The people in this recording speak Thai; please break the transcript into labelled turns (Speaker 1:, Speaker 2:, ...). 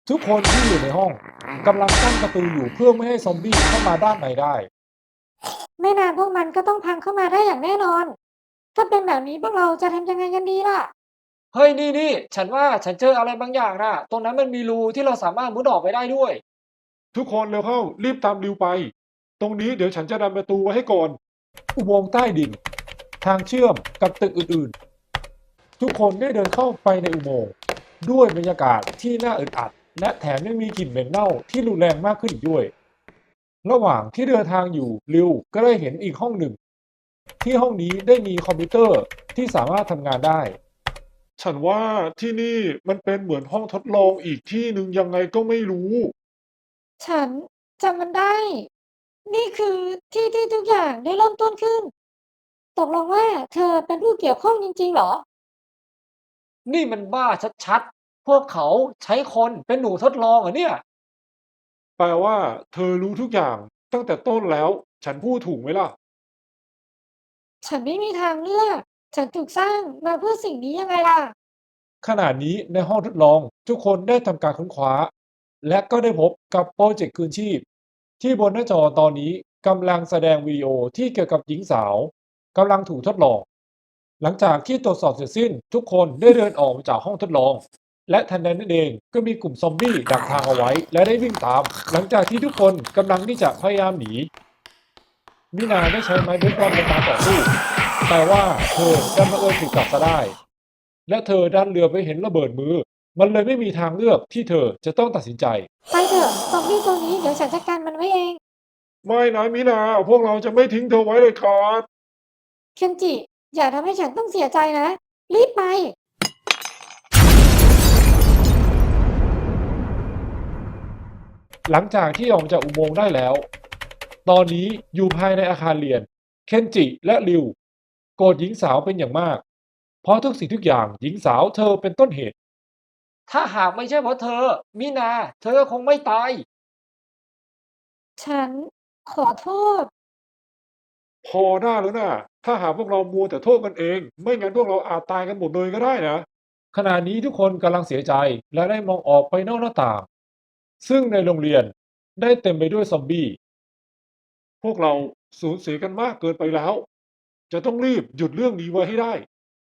Speaker 1: ทุกคนที่อยู่ในห้องกำลังกั้นประตูอยู่เพื่อไม่ให้ซอมบี้เข้ามาด้านในได้
Speaker 2: ไม่นานพวกมันก็ต้องพังเข้ามาได้อย่างแน่นอน ถ้าเป็นแบบนี้พวกเราจะทำยังไงกันดีล่ะ
Speaker 3: เฮ้ยนี่ฉันว่าฉันเจออะไรบางอย่างนะตรงนั้นมันมีรูที่เราสามารถมุดออกไปได้ด้วย
Speaker 1: ทุกคนเร็วเข้ารีบตามริวไปตรงนี้เดี๋ยวฉันจะดันประตูไว้ให้ก่อนอุโมงค์ใต้ดินทางเชื่อมกับตึกอื่นๆทุกคนได้เดินเข้าไปในอุโมงค์ด้วยบรรยากาศที่น่าอึดอัดและแถมยังมีกลิ่นเหม็นเน่าที่รุนแรงมากขึ้นอีกด้วยระหว่างที่เดินทางอยู่ริวก็ได้เห็นอีกห้องหนึ่งที่ห้องนี้ได้มีคอมพิวเตอร์ที่สามารถทำงานได้ ฉันว่าที่นี่มันเป็นเหมือนห้องทดลองอีกที่หนึ่งยังไงก็ไม่รู้
Speaker 2: ฉันจำมันได้ นี่คือที่ทุกอย่างได้เริ่มต้นขึ้น ตกลงว่าเธอเป็นผู้เกี่ยวข้องจริงๆเหรอ
Speaker 3: นี่มันบ้าชัดๆพวกเขาใช้คนเป็นหนูทดลองเหรอเนี่ย
Speaker 1: แปลว่าเธอรู้ทุกอย่างตั้งแต่ต้นแล้ว ฉันพูดถูกไหมล่ะ
Speaker 2: ฉันไม่มีทางเลือก ฉันถูกสร้างมาเพื่อสิ่งนี้ยังไงล่ะ
Speaker 1: ขณะนี้ในห้องทดลองทุกคนได้ทำการค้นคว้าและก็ได้พบกับโปรเจกต์คืนชีพที่บนหน้าจอตอนนี้กำลังแสดงวิดีโอที่เกี่ยวกับหญิงสาวกำลังถูกทดลองหลังจากที่ตรวจสอบเสร็จสิ้นทุกคนได้เดินออกมาจากห้องทดลองและทันใดนั้นเองก็มีกลุ่มซอมบี้ดักทางเอาไว้และได้วิ่งตามหลังจากที่ทุกคนกำลังที่จะพยายามหนีมินาได้ใช้ไม้เบสบอลในการต่อสู้แต่ว่าเธอดันบังเอิญถูกจับซะได้ และเธอดันเรือไปเห็นระเบิดมือ มันเลยไม่มีทางเลือกที่เธอจะต้องตัดสินใจ
Speaker 2: ไปเถอะซอมบี้ตัวนี้เดี๋ยวฉันจัดการมันไว้เอง
Speaker 1: ไม่นะมินาพวกเราจะไม่ทิ้งเธอไว้เลยครับ
Speaker 2: เคนจิ อย่าทำให้ฉันต้องเสียใจนะ รีบไป
Speaker 1: หลังจากที่ออกจากอุโมงค์ได้แล้ว ตอนนี้อยู่ภายในอาคารเรียน เคนจิและริวโกรธหญิงสาวเป็นอย่างมาก เพราะทุกสิ่งทุกอย่างหญิงสาวเธอเป็นต้นเหตุ
Speaker 3: ถ้าหากไม่ใช่เพราะเธอมินาเธอคงไม่ตาย
Speaker 2: ฉันขอโทษ
Speaker 1: พอได้แล้วนะถ้าหากพวกเรามัวแต่โทษกันเอง ไม่งั้นพวกเราอาจตายกันหมดเลยก็ได้นะ ขณะนี้ทุกคนกำลังเสียใจและได้มองออกไปนอกหน้าต่าง ซึ่งในโรงเรียนได้เต็มไปด้วยซอมบี้ พวกเราสูญเสียกันมากเกินไปแล้ว จะต้องรีบหยุดเรื่องนี้ไว้ให้ได้